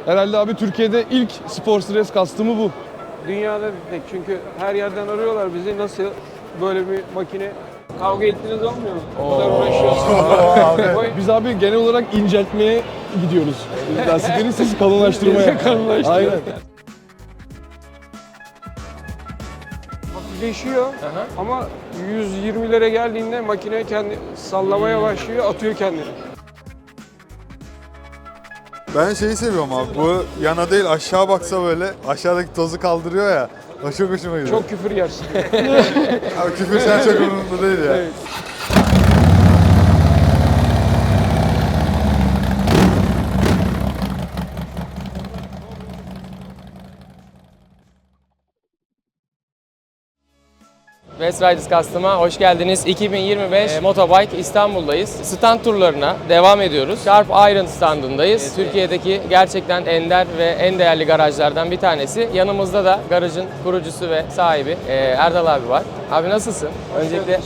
Herhalde abi Türkiye'de ilk spor stres kastımı bu. Dünyada bir tek, çünkü her yerden arıyorlar bizi, nasıl böyle bir makine. Kavga ettiğiniz olmuyor mu? O kadar uğraşıyorsunuz. Biz abi genel olarak inceltmeye gidiyoruz. Lastikleri siz kalınlaştırmaya. Kalınlaştırıyor. Aynen. Hafifleşiyor ama 120'lere geldiğinde makine kendi sallamaya başlıyor, atıyor kendini. Ben şeyi seviyorum abi. Bu yana değil aşağı baksa böyle aşağıdaki tozu kaldırıyor ya. O çok hoşuma gidiyor. Çok küfür yersin. Abi küfür sen çok umurumda değil ya. Evet. West Riders Custom'a hoş geldiniz. 2025 Motobike İstanbul'dayız. Stand turlarına devam ediyoruz. Sharp Iron standındayız. Türkiye'deki gerçekten ender ve en değerli garajlardan bir tanesi. Yanımızda da garajın kurucusu ve sahibi Erdal abi var. Abi nasılsın? Öncelikle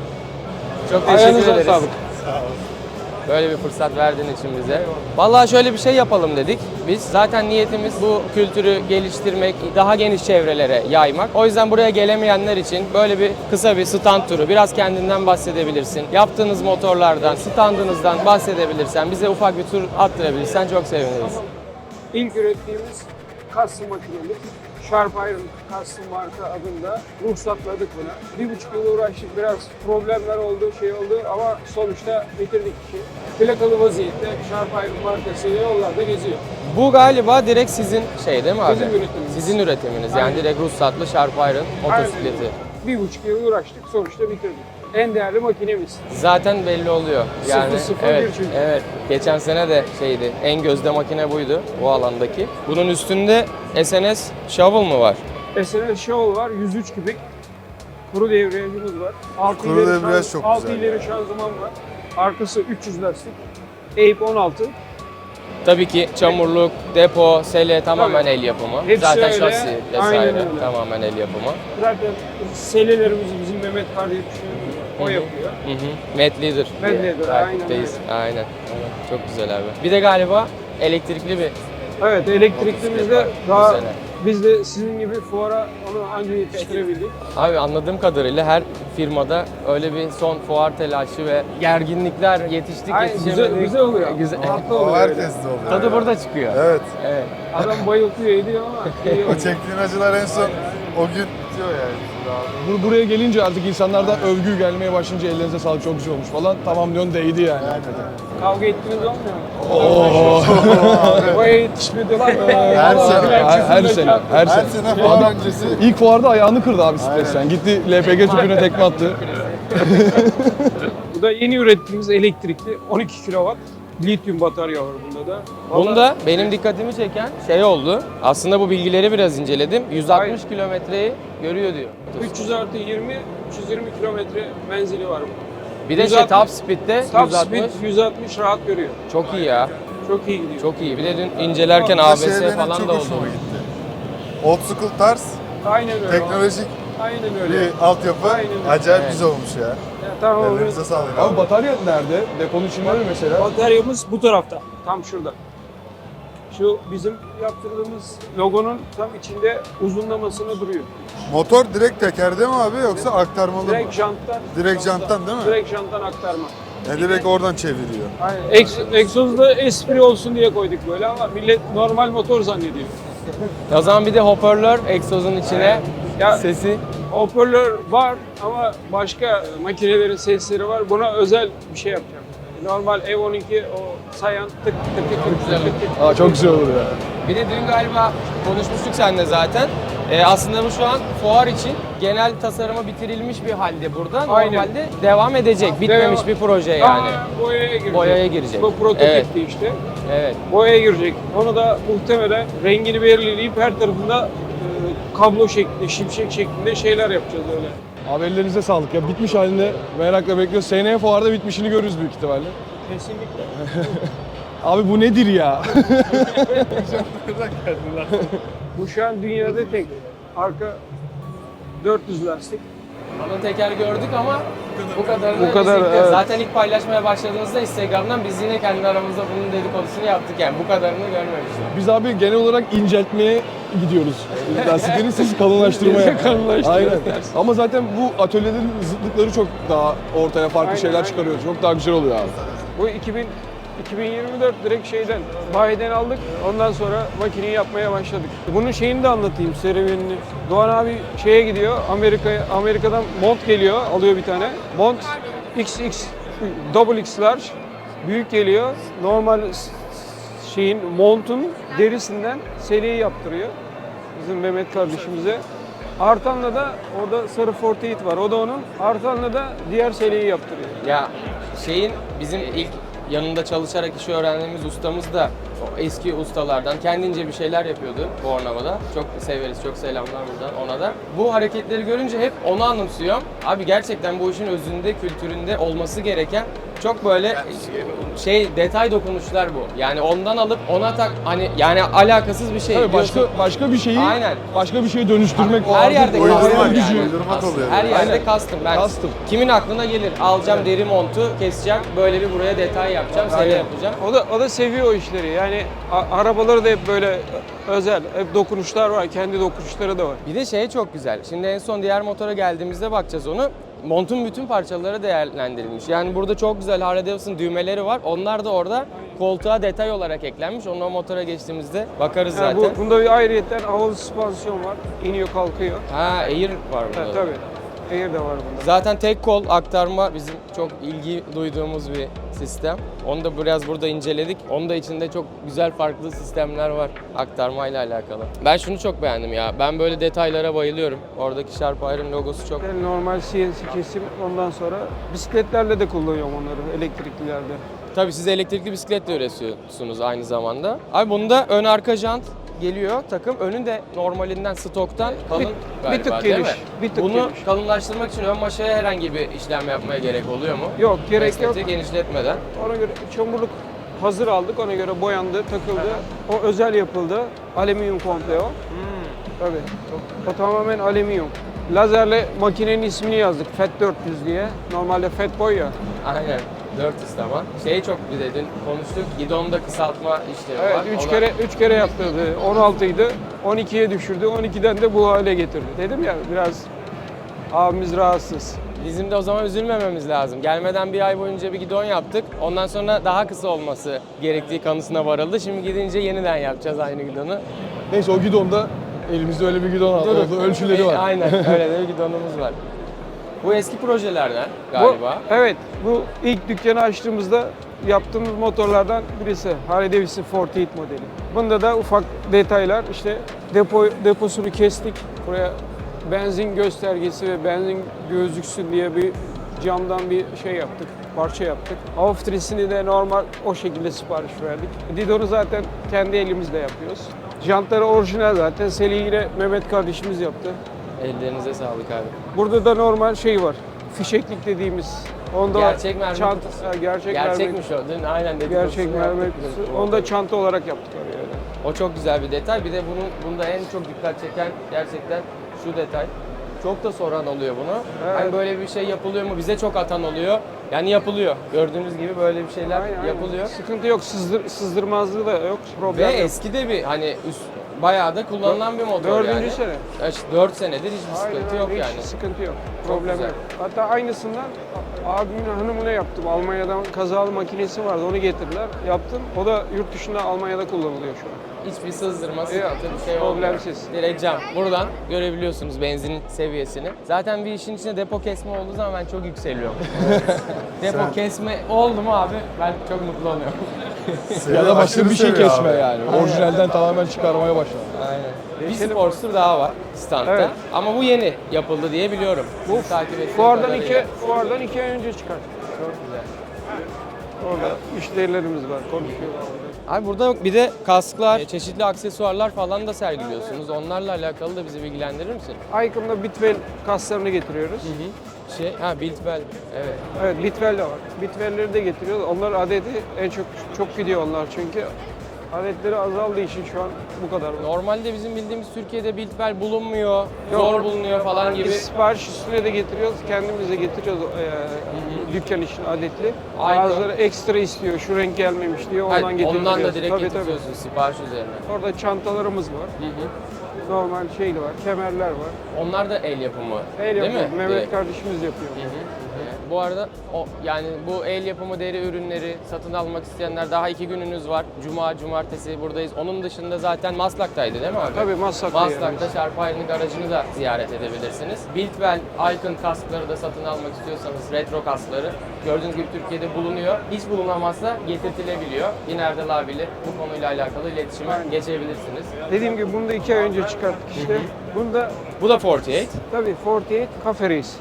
çok teşekkür Ayağınıza ederiz. sağlık. Böyle bir fırsat verdiğin için bize. Vallahi şöyle bir şey yapalım dedik. Biz zaten niyetimiz bu kültürü geliştirmek, daha geniş çevrelere yaymak. O yüzden buraya gelemeyenler için böyle bir kısa bir stand turu. Biraz kendinden bahsedebilirsin. Yaptığınız motorlardan, standınızdan bahsedebilirsen, bize ufak bir tur attırabilirsen çok seviniriz. İlk ürettiğimiz custom makinemiz Sharp Iron Custom marka adında ruhsatladık buna. 1,5 yıl uğraştık, biraz problemler oldu, şey oldu ama sonuçta bitirdik işi. Plakalı vaziyette Sharp Iron markasıyla yollarda geziyor. Bu galiba direkt sizin şey değil mi abi? Bizim üretimimiz. Sizin üretiminiz. Yani Aynen. direkt ruhsatlı Sharp Iron motosikleti. 1,5 yıl uğraştık, sonuçta bitirdik. En değerli makinemiz. Zaten belli oluyor. Yani 001 evet, çünkü. evet. Geçen sene de şeydi. En gözde makine buydu bu alandaki. Bunun üstünde SNS Shovel mı var? SNS Shovel var, 103 kübik. Kuru devriyajımız var. Kuru debriyaj çok 6 güzel ileri şanzıman var. Arkası 300 lastik. Ape 16. Tabii ki çamurluk, depo, sele tamamen Tabii. el yapımı. Hepsi Zaten öyle. şasi Aynen vesaire öyle. tamamen el yapımı. Zaten selelerimizi bizim Mehmet kardeşim o yapıyor. Hı hı. Mad Leader. Mad diye Leader, takipteyiz. Aynen. Çok güzel abi. Bir de galiba elektrikli bir Evet, elektriklimiz de var. daha Güzel. biz de sizin gibi fuara onu anca yetiştirebildik. Abi anladığım kadarıyla her firmada öyle bir son fuar telaşı ve gerginlikler yetiştik Aynen, yetişemedik. güzel oluyor. Güzel. Haklı O oluyor öyle. herkes de oluyor. Tadı ya. burada çıkıyor. Evet. Evet. Adam bayıltıyor ediyor ama iyi O oluyor. çektiğin acılar en son o gün bitiyor yani. Buraya gelince artık insanlardan övgü gelmeye başlayınca ellerinize sağlık çok güzel olmuş falan. Tamam diyorsun değdi yani. Kavga ettiğiniz olmuyor mu? Boya yetişmedi lan. Her sene. Her sene. Her Her sene. sene fuar öncesi. İlk fuarda ayağını kırdı abi stresten. Gitti LPG tüpüne tekme attı. Bu da yeni ürettiğimiz elektrikli 12 kW lityum batarya var bunda da. Bunda benim dikkatimi çeken şey oldu. Aslında bu bilgileri biraz inceledim. 160 Aynen. kilometreyi görüyor diyor. 300 artı 20, 320 kilometre menzili var bu. Bir de 160 top speed'de Top 160. speed 160 rahat görüyor. Çok iyi ya. Çok iyi gidiyor. Çok iyi. Bir de dün incelerken Bu ABS şey benim falan çok da oldu. hoşuma gitti. Old school tarz, Aynen öyle. teknolojik Aynen öyle. bir altyapı. Aynen öyle. Acayip Evet. güzel olmuş ya. Ya, tamam. Ellerinize sağlık Abi abi. batarya nerede? Deponun içinde mi mesela? Bataryamız bu tarafta. Tam şurada. Şu bizim yaptırdığımız logonun tam içinde uzunlamasına duruyor. Motor direkt tekerde mi abi yoksa aktarmalı mı? Direkt janttan. Direkt janttan değil mi? Direkt janttan aktarma. Yani direkt oradan çeviriyor. Aynen. Egzozda espri olsun diye koyduk böyle ama millet normal motor zannediyor. O zaman bir de hoparlör egzozun içine Ya sesi. hoparlör var ama başka makinelerin sesleri var. Buna özel bir şey yapacağım. Normal Ev-12 o sayan tık tık tık tık tık tık. Aa, çok güzel olur ya. Bir de dün galiba konuşmuştuk seninle zaten. Aslında bu şu an fuar için genel tasarımı bitirilmiş bir halde burada. Aynen. Normalde devam edecek. Bitmemiş bir proje yani. Tamamen boyaya girecek. Boyaya girecek. Bu prototipti işte. Evet. Boyaya girecek. Onu da muhtemelen rengini belirleyip her tarafında kablo şeklinde, şimşek şeklinde şeyler yapacağız öyle. Abi ellerinize sağlık ya. Bitmiş halinde merakla bekliyoruz. Seneye fuarda bitmişini görürüz büyük ihtimalle. Kesinlikle. Abi bu nedir ya? Bu şu an dünyada tek. Arka 400 lastik. Kalın teker gördük ama bu kadarını Bu kadar, biz ilk- evet. Zaten ilk paylaşmaya başladığımızda Instagram'dan biz yine kendi aramızda bunun dedikodusunu yaptık yani bu kadarını görmemiştim. Biz abi genel olarak inceltmeye gidiyoruz. Lastikleri siz kalınlaştırmaya. Kalınlaştırıyoruz Aynen. Ama zaten bu atölyelerin zıtlıkları çok daha ortaya farklı Aynen, şeyler aynen. çıkarıyor. Çok daha güzel oluyor abi. Bu 2024 direkt şeyden, bayiden aldık. Ondan sonra makineyi yapmaya başladık. Bunun şeyini de anlatayım, serüvenini. Doğan abi şeye gidiyor, Amerika'dan mont geliyor, alıyor bir tane. Mont XX, double X large, büyük geliyor. Normal şeyin, montun derisinden seliği yaptırıyor. Bizim Mehmet kardeşimize. Artan'la da orada sarı 48 var. O da onun. Artan'la da diğer seliği yaptırıyor. Ya şeyin bizim ilk yanında çalışarak işi öğrendiğimiz ustamız da o eski ustalardan kendince bir şeyler yapıyordu Bornova'da. Çok severiz, çok selamlar buradan ona da. Bu hareketleri görünce hep onu anımsıyorum. Abi gerçekten bu işin özünde, kültüründe olması gereken çok böyle detay dokunuşlar bu. Yani ondan alıp ona hani yani alakasız bir şey. Tabii diyorsun. başka bir şeyi Aynen. başka bir şeye dönüştürmek o Her artık yerde o uydurmak hayal custom gücü. yani. Uydurmak Aslında oluyor. her yerde Aynen. custom. Ben Custom. kimin aklına gelir? Alacağım deri montu, keseceğim, böyle bir buraya detay yapacağım, seri yapacağım. O da seviyor o işleri. Yani arabaları da hep böyle özel, hep dokunuşlar var. Kendi dokunuşları da var. Bir de şey çok güzel. Şimdi en son diğer motora geldiğimizde bakacağız onu. Montun bütün parçaları değerlendirilmiş. Yani burada çok güzel Harley Davidson düğmeleri var. Onlar da orada koltuğa detay olarak eklenmiş. Onu o motora geçtiğimizde bakarız Yani zaten. bunda bir ayrıyetten havalı süspansiyon var. İniyor kalkıyor. Ha, Air var burada. Ha, tabii. Air de var bunda. Zaten tek kol aktarma bizim çok ilgi duyduğumuz bir sistem. Onu da biraz burada inceledik. Onun da içinde çok güzel farklı sistemler var aktarmayla alakalı. Ben şunu çok beğendim ya. Ben böyle detaylara bayılıyorum. Oradaki Sharp Iron logosu çok. Yani normal CNC kesim, ondan sonra bisikletlerle de kullanıyorum onları, elektriklilerde. Tabii siz elektrikli bisiklet de üretiyorsunuz aynı zamanda. Abi bunda ön arka jant geliyor takım. Önü de normalinden stoktan kalın galiba tık değil mi? geniş, bir tık Bunu geniş. kalınlaştırmak için ön maşaya herhangi bir işlem yapmaya gerek oluyor mu? Yok, gerek yok. Esnetiği genişletmeden. Ona göre çamurluk hazır aldık, ona göre boyandı, takıldı. O özel yapıldı. Alüminyum komple o. Tabii. O tamamen alüminyum. Lazerle makinenin ismini yazdık. FAT 400 diye. Normalde FAT boy ya. Aynen. 400 tamam. Şeyi çok bir dedin, konuştuk. Gidonda kısaltma işlemi Evet, var. 3 kere yaptırdı. 16 idi. 12'ye düşürdü. 12'den de bu hale getirdi. Dedim ya biraz abimiz rahatsız. Bizim de o zaman üzülmememiz lazım. Gelmeden bir ay boyunca bir gidon yaptık. Ondan sonra daha kısa olması gerektiği kanısına varıldı. Şimdi gidince yeniden yapacağız aynı gidonu. Neyse o gidonda elimizde öyle bir gidon oldu. Ölçüleri var. Aynen öyle de bir gidonumuz var. Bu eski projelerden galiba. Evet, bu ilk dükkanı açtığımızda yaptığımız motorlardan birisi. Harley Davidson 48 modeli. Bunda da ufak detaylar, işte deposunu kestik. Buraya benzin göstergesi ve benzin gözüksün diye bir camdan bir şey yaptık, parça yaptık. Avtrisini de normal o şekilde sipariş verdik. Didon'u zaten kendi elimizle yapıyoruz. Jantları orijinal zaten. Seliğiyle Mehmet kardeşimiz yaptı. Ellerinize sağlık abi. Burada da normal şey var. Fişeklik dediğimiz. Onda Gerçek mermer çanta, kutusu. ha, gerçek Gerçekmiş o. Dün aynen dedik. Gerçek mermer kutusu. Onu da çanta olarak yaptık oraya. öyle. O çok güzel bir detay. Bir de bunda en çok dikkat çeken gerçekten şu detay. Çok da soran oluyor bunu. Evet. Hani böyle bir şey yapılıyor mu? Bize çok atan oluyor. Yani yapılıyor. Gördüğünüz gibi böyle bir şeyler Aynen, aynen. yapılıyor. Sıkıntı yok, sızdırmazlığı da yok, Ve problem yok. eski de bir hani bayağı da kullanılan bir motor Dördüncü yani. sene. İşte 4 senedir hiçbir Aynen, sıkıntı yok hiç yani. sıkıntı yok, Çok problem güzel. yok. Hatta aynısından abimin hanımına yaptım. Almanya'dan kazalı makinesi vardı, onu getirdiler. Yaptım. O da yurt dışında Almanya'da kullanılıyor şu an. Hiçbir sızdırma, Yok, sıkıntı bir şey olmuyor. problemsiz. Direkt cam. Buradan görebiliyorsunuz benzinin seviyesini. Zaten bir işin içinde depo kesme olduğu zaman ben çok yükseliyorum. Depo kesme oldu mu abi ben çok mutlu oluyorum. Ya da başka Aşırı bir şey seviyor kesme abi. yani. Orijinalden tamamen çıkarmaya başladı. Aynen. Bir Sportster daha var standta. Evet. Ama bu yeni yapıldı diye biliyorum. Bu Sizi takip ettiğim fuardan kadarıyla. fuardan 2 ay önce çıkar. Çok güzel. Orada müşterilerimiz var, konuşuyorlar. Abi burada bir de kasklar, çeşitli aksesuarlar falan da sergiliyorsunuz. Onlarla alakalı da bizi bilgilendirir misin? Icon'da Bitwell kaslarını getiriyoruz. Biltbel. Evet. Evet, Bitwell de var. Bitwell'leri de getiriyoruz. Onlar adeti en çok gidiyor onlar çünkü. adetleri azaldığı için şu an bu kadar. Normalde bizim bildiğimiz Türkiye'de biltbel bulunmuyor, zor bulunuyor falan gibi. Biz sipariş üstüne de getiriyoruz, kendimiz de getiriyoruz dükkan için adetli. Aynen. Bazıları ekstra istiyor, şu renk gelmemiş diyor, Hayır, ondan getiriyoruz. ondan da direkt Tabii, getiriyorsun sipariş üzerine. Orada çantalarımız var, normal şeyli var, kemerler var. Onlar da el yapımı El değil yapıyor, mi? Mehmet Direkt. kardeşimiz yapıyor. Bu arada yani bu el yapımı deri ürünleri satın almak isteyenler daha 2 gününüz var. Cuma, cumartesi buradayız. Onun dışında zaten Maslak'taydı değil mi abi? Tabii Maslak'ta Maslak'ta Sharp Iron'ın garajını da ziyaret edebilirsiniz. Biltwell Icon kaskları da satın almak istiyorsanız retro kaskları gördüğünüz gibi Türkiye'de bulunuyor. Hiç bulunamazsa getirtilebiliyor. Yine Erdal abiyle bu konuyla alakalı iletişime geçebilirsiniz. Dediğim gibi bunu da 2 ay önce çıkarttık işte. Bunda Bu da 48. tabii 48 Cafe Race.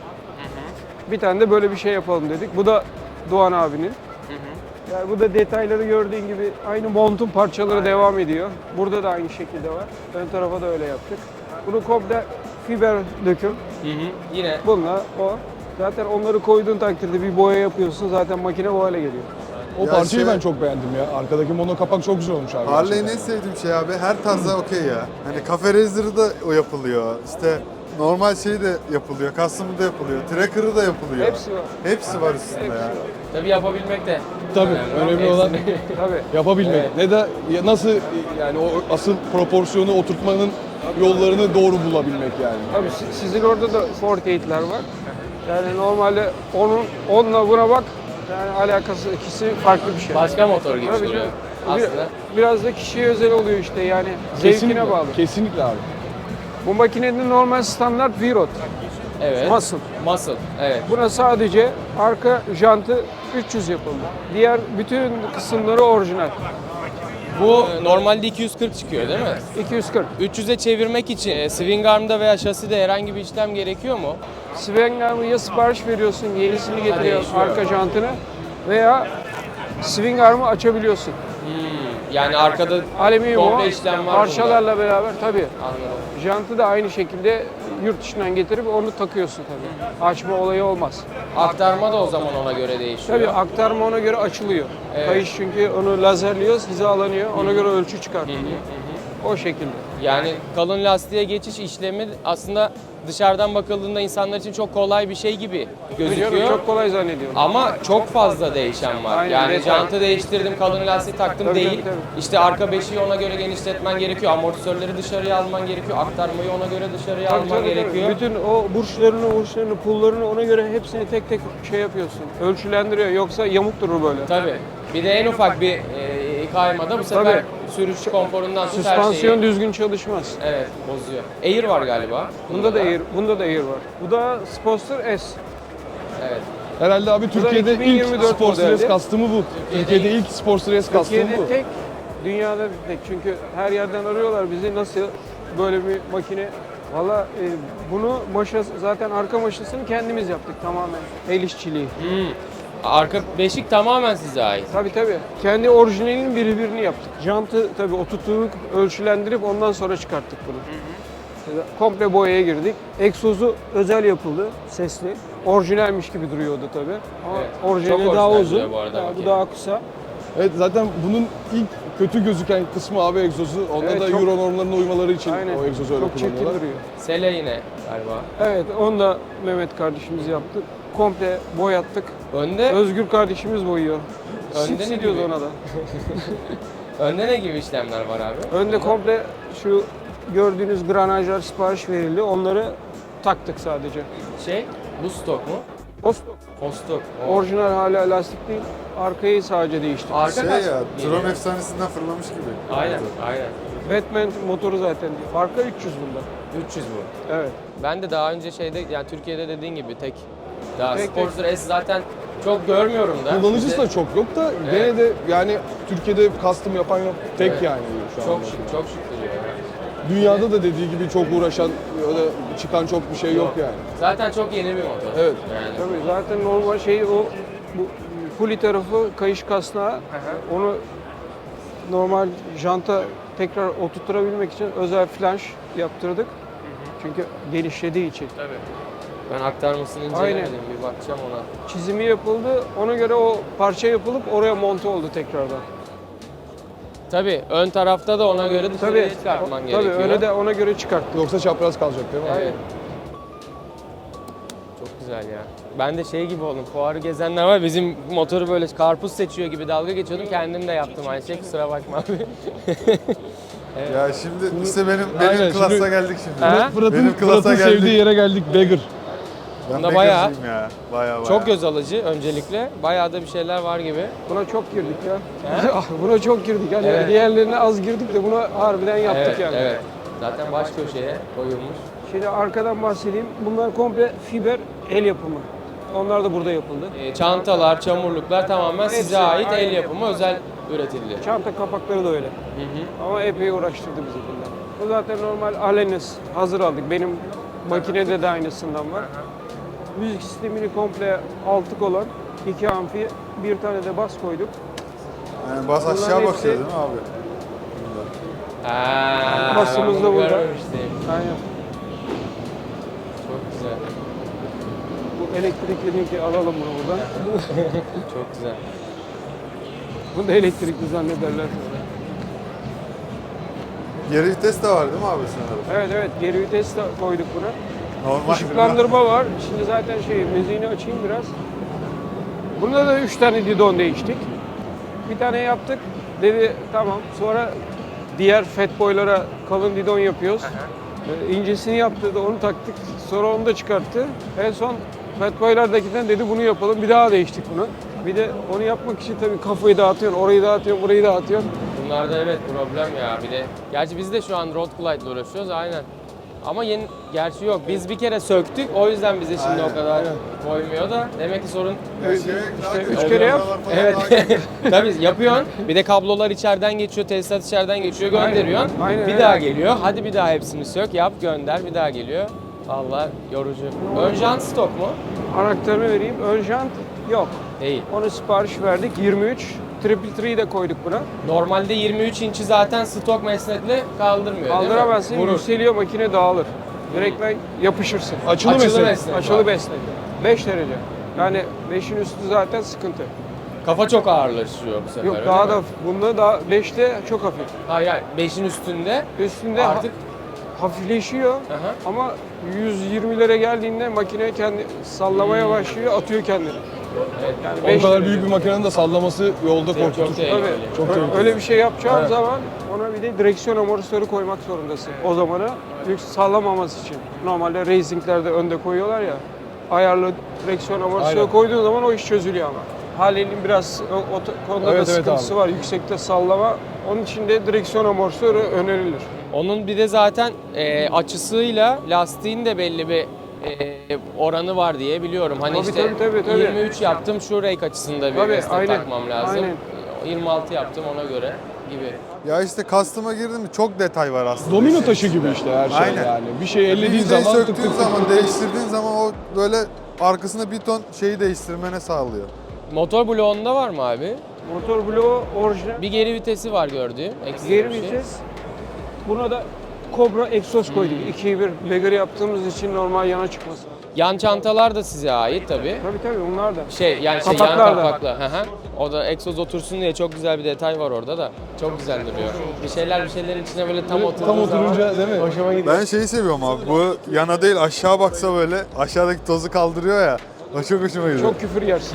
Bir tane de böyle bir şey yapalım dedik. Bu da Doğan abinin. Yani bu da detayları gördüğün gibi aynı montun parçaları devam ediyor. Burada da aynı şekilde var. Ön tarafa da öyle yaptık. Bunu komple fiber döküm. Yine Bununla o. Zaten onları koyduğun takdirde bir boya yapıyorsun. Zaten makine o hale geliyor. O Ya parçayı şey- ben çok beğendim ya. Arkadaki mono kapak çok güzel olmuş abi. Harley'in en gerçekten. sevdiğim şey abi her tarzda okey ya. Hani Cafe Racer'ı da o yapılıyor. İşte normal şey de yapılıyor. Custom'ı da yapılıyor. Tracker'ı da yapılıyor. Hepsi var. Hepsi var üstünde Hepsi ya. var. tabii yapabilmek de. Tabii önemli olan Tabii. yapabilmek. Evet. Ne de nasıl yani o asıl proporsiyonu oturtmanın yollarını doğru bulabilmek yani. Tabii sizin orada da 48'ler var. Yani normalde onunla buna bak. Yani alakası ikisi farklı bir şey. Başka motor gibi Tabii duruyor canım. aslında. Biraz da kişiye özel oluyor işte yani zevkine bağlı. Kesinlikle abi. Bu makinenin normal standart V-Rod, Evet. muscle. Muscle. Evet. Buna sadece arka jantı 300 yapıldı. Diğer bütün kısımları orijinal. Bu normalde 240 çıkıyor değil mi? 240. 300'e çevirmek için swing arm'da veya şaside herhangi bir işlem gerekiyor mu? Swing arm'ı ya sipariş veriyorsun, yenisini getiriyor değişiyor. arka jantını veya swing arm'ı açabiliyorsun. Yani arkada Alüminyum o, komple işlem var parçalarla beraber tabii. bunda. Anladım. Jantı da aynı şekilde yurt dışından getirip onu takıyorsun tabii. Açma olayı olmaz. Aktarma da o zaman ona göre değişiyor. Tabii aktarma ona göre açılıyor. Evet. Kayış çünkü onu lazerliyoruz, hizalanıyor. Ona göre ölçü çıkartılıyor. O şekilde. Yani kalın lastiğe geçiş işlemi aslında dışarıdan bakıldığında insanlar için çok kolay bir şey gibi gözüküyor. Biliyorum, çok kolay zannediyorum. Ama çok fazla değişen var. Aynen, Yani detay. jantı değiştirdim, kalın lastik taktım Tabii, değil. tabii, tabii. İşte arka beşiği ona göre genişletmen gerekiyor. Amortisörleri dışarıya alman gerekiyor. Aktarmayı ona göre dışarıya Tabii, alman tabii, tabii. gerekiyor. Bütün o burçlarını, pullarını ona göre hepsini tek tek şey yapıyorsun. Ölçülendiriyor. Yoksa yamuk durur böyle. Tabii. Bir de en ufak bir kaymada bu sefer Tabii. sürüş konforundan tut her Süspansiyon şeyi. düzgün çalışmaz. Evet, bozuyor. Air var galiba. Bunda da Air var. Bu da Sportster S. Evet. Herhalde abi Türkiye'de ilk 2024 Sports Race modeldi. kastımı bu. Türkiye'de ilk Sports Race kastımı Türkiye'de bu. tek, dünyada bir tek. Çünkü her yerden arıyorlar bizi nasıl böyle bir makine. Valla bunu zaten arka maşasını kendimiz yaptık tamamen. El işçiliği. Arka beşik tamamen size ait. Tabii tabii. Kendi orijinalinin birini yaptık. Jantı tabii oturttuk, ölçülendirip ondan sonra çıkarttık bunu. Komple boyaya girdik. Egzozu özel yapıldı, sesli. Orijinalmiş gibi duruyordu tabii. Ama Evet. orijinali Çok daha orijinal uzun. duruyor bu arada Bu makine. daha kısa. Evet zaten bunun ilk kötü gözüken kısmı abi egzozu. Onda Evet, da çok- Euro normlarına uymaları için Aynen. o egzozu öyle Çok çirkin kullanıyorlar. duruyor. Sele yine galiba. Evet, onu da Mehmet kardeşimiz yaptı. Komple boyattık. Önde Özgür kardeşimiz boyuyor. Önde Sipsi ne diyoruz gibi? ona da. önde ne gibi işlemler var abi? Önde komple şu gördüğünüz granajlar sipariş verildi. Onları taktık sadece. Bu stok mu? O O stok. O. orijinal hala lastik değil. Arkayı sadece değiştirdik. Arka Şey kaç? ya, geliyor? Tron efsanesinden fırlamış gibi. Aynen, aynen. Batman motoru zaten. Arka 300 bunda. 300 bu. Evet. Ben de daha önce yani Türkiye'de dediğin gibi tek daha Tek, Sportster S zaten çok görmüyorum da. Kullanıcısı İşte da çok yok da Evet. gene de yani Türkiye'de custom yapan yok. Tek Evet. yani şu çok anda. şık, çok şık duruyor. ya. Dünyada da dediği gibi çok uğraşan ya da çıkan çok bir şey yok yani. Zaten çok yeni bir motor. Evet. Yani. Tabii zaten normal şey o bu puli tarafı kayış kasnağı. Onu normal janta tekrar oturtturabilmek için özel flanş yaptırdık. Çünkü genişlediği için. Tabii. Ben aktarmasını incelemedim, bir bakacağım ona. Çizimi yapıldı. Ona göre o parça yapılıp oraya monte oldu tekrardan. Tabii ön tarafta da ona göre dışarıya çıkartman gerekiyor. Tabii öyle de ona göre çıkart. Yoksa çapraz kalacak değil mi? Evet. Çok güzel ya. Ben de şey gibi oldum. Fuarı gezenler var. Bizim motoru böyle karpuz seçiyor gibi dalga geçiyordum. Kendim de yaptım aynı şey. Kusura bakma abi. Ya şimdi işte benim Aynen, klasa şimdi- geldik şimdi. Ha? Benim klasa Fırat'ın sevdiği geldik. yere geldik. Beggar. Ben Bunda bayağı- Bakers'cıyım ya. Bayağı. Çok göz alıcı öncelikle. Bayağı da bir şeyler var gibi. Buna çok girdik ya. Buna çok girdik. Hani Evet. diğerlerine az girdik de buna harbiden yaptık Evet, yani. evet. Zaten baş köşeye koyulmuş. Şimdi arkadan bahsedeyim. Bunlar komple fiber el yapımı. Onlar da burada yapıldı. Çantalar, çamurluklar tamamen size Hepsi ait aynı el yapımı. yapımı özel üretildi. Çanta kapakları da öyle. Ama epey uğraştırdı bizi bunlar. Bu zaten normal Alenis hazır aldık. Benim makinede de aynısından var. Müzik sistemini komple altlık olan 2 amfi, bir tane de bas koyduk. Yani bas aşağı Bunların bakıyor hepsi- değil mi abi? ben Basımız da bunu burada. görmemiştim. Aynen. Çok güzel. Bu elektrikli linki alalım bunu buradan. Çok güzel. Bunu da elektrikli zannederler. Geri vites de var değil mi abi sanırım? Evet evet, geri vites de koyduk buna. Normal. Işıklandırma var. Şimdi zaten müziğini açayım biraz. Bunda da 3 tane didon değiştik. Bir tane yaptık. Dedi tamam. Sonra diğer fat boylara kalın didon yapıyoruz. İncesini yaptı da onu taktık. Sonra onu da çıkarttı. En son fat boylardakinden dedi bunu yapalım. Bir daha değiştik bunu. Bir de onu yapmak için tabii kafayı dağıtıyorsun, orayı dağıtıyorsun, burayı dağıtıyorsun. Bunlarda evet problem ya bir de. Gerçi biz de şu an road glide ile uğraşıyoruz aynen. Ama yeni, gerçi yok. Biz bir kere söktük. O yüzden bize şimdi o kadar koymuyor da. Demek ki sorun İşte 3 kere yap. evet. Tabii yapıyorsun. Bir de kablolar içeriden geçiyor, tesisat içeriden geçiyor, gönderiyorsun. Aynen, bir öyle. daha geliyor. Hadi bir daha hepsini sök, yap, gönder. Bir daha geliyor. Vallahi yorucu. Ön jant stok mu? Anahtarını vereyim. Ön jant yok. Değil. Onu sipariş verdik. 23. Triple 3'yi de koyduk buna. Normalde 23 inç'i zaten stok mesnetle kaldırmıyor Kaldıramazsın, değil mi? Vurur. yükseliyor, makine dağılır. Direkt yapışırsın. Açılı Açılı mesele. mesele. Açılı besle. 5 derece. Yani 5'in üstü zaten sıkıntı. Kafa çok ağırlaşıyor bu sefer. Yok öyle daha mi? da bunda daha 5'te çok hafif. Hayır, 5'in üstünde Üstünde artık hafifleşiyor Aha. ama 120'lere geldiğinde makine kendi sallamaya başlıyor, atıyor kendini. evet, Yani O 5 kadar derece. büyük bir makinenin de sallaması yolda çok korkutur. tehlikeli. Tabii. Çok tehlikeli. Öyle bir şey yapacağım Evet. zaman ona bir de direksiyon amortisörü koymak zorundasın. O zamana yük sallamaması için. Normalde racinglerde önde koyuyorlar ya. Ayarlı direksiyon amortisörü Aynen. koyduğun zaman o iş çözülüyor ama. Halil'in biraz o konuda Evet, da evet sıkıntısı abi. var. Yüksekte sallama. Onun için de direksiyon amortisörü önerilir. Onun bir de zaten açısıyla lastiğin de belli bir oranı var diye biliyorum. Hani Tabii, işte tabii. 23 yaptım şu rake açısında bir Tabii, mesnet aynen, takmam lazım. aynen. 26 yaptım ona göre gibi. Ya işte customer'a girdim mi çok detay var aslında. Domino işin taşı gibi içinde. işte her şey Aynen. yani. Bir şey ellediğin Vizeyi zaman tık tık söktüğün tık zaman, tık tık. değiştirdiğin zaman o böyle arkasına bir ton şeyi değiştirmene sağlıyor. Motor bloğunda var mı abi? Motor bloğu orijinal. Bir geri vitesi var gördüğüm. Ekstra Geri bir şey. vites. Buna da Cobra egzoz koyduk. 2'yi 1 Beggar yaptığımız için normal yana çıkması. Yan çantalar da size ait tabii. Tabii onlar da. Yan Kapaklar da. kapaklı. Hı hı. O da egzoz otursun diye çok güzel bir detay var orada da. Çok güzel duruyor. Bir şeylerin içine böyle tam oturduğu Tam zaman oturunca değil mi? hoşuma gidiyor. Ben şeyi seviyorum abi. Bu yana değil aşağı baksa böyle aşağıdaki tozu kaldırıyor ya. O çok hoşuma gidiyor. Çok küfür yersin.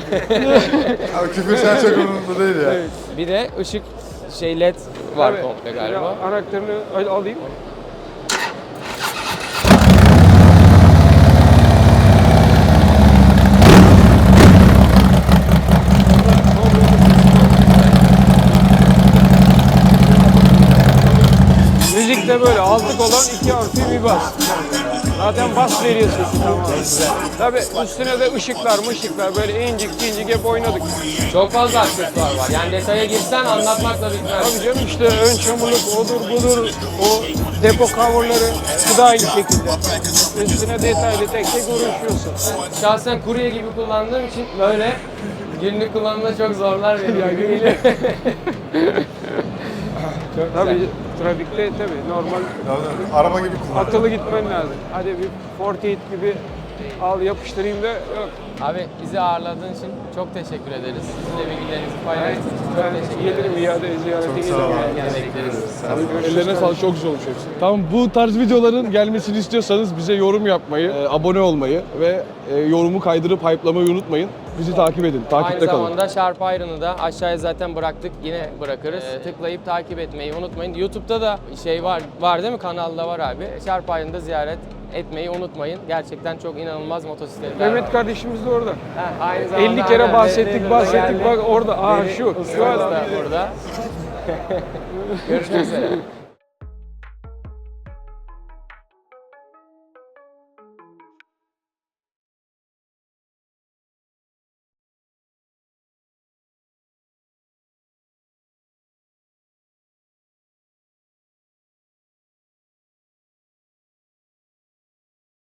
Abi küfür sen çok umurumda değil ya. Bir de ışık led var Tabii. komple galiba. Anahtarını alayım. Müzikte böyle altlık olan 2 amfi bir bas. Zaten bas veriyorsun. Tamam. Tabii üstüne de ışıklar böyle incik hep oynadık. Çok fazla aksesuar var. Yani detaya girsen anlatmakla bitmez. Tabii canım işte ön çamurluk odur budur o depo coverları bu da aynı şekilde. Üstüne detaylı tek tek uğraşıyorsun. Şahsen kurye gibi kullandığım için böyle günlük kullanımda çok zorlar veriyor gibi geliyor. Çok Tabii güzel. trafikte tabii normal Araba gibi kullan. akıllı gitmen lazım. Hadi bir 48 gibi al yapıştırayım da yok. Abi bizi ağırladığın için çok teşekkür ederiz. Siz de bilgilerinizi paylaştığınız için çok Ben teşekkür gelirim ederiz. iade ziyaretiniz sağ ol. zaman. Gene bekleriz. Ellerine sağlık, çok güzel olmuş hepsi. Tamam, bu tarz videoların gelmesini istiyorsanız bize yorum yapmayı, abone olmayı ve yorumu kaydırıp hype'lamayı unutmayın. Bizi takip edin, Aynı takipte kalın. zamanda Sharp Iron'ı da aşağıya zaten bıraktık. Yine bırakırız. Tıklayıp takip etmeyi unutmayın. YouTube'da da şey var değil mi? Kanalda var abi. Sharp Iron'ı da ziyaret etmeyi unutmayın. Gerçekten çok inanılmaz motosikletler var. Mehmet kardeşimiz de orada. Aynı zamanda 50 kere aynen, bahsettik Deri bahsettik geldi. bak orada. Aa Deri şu ustamız adam. da burada. Görüşmek üzere.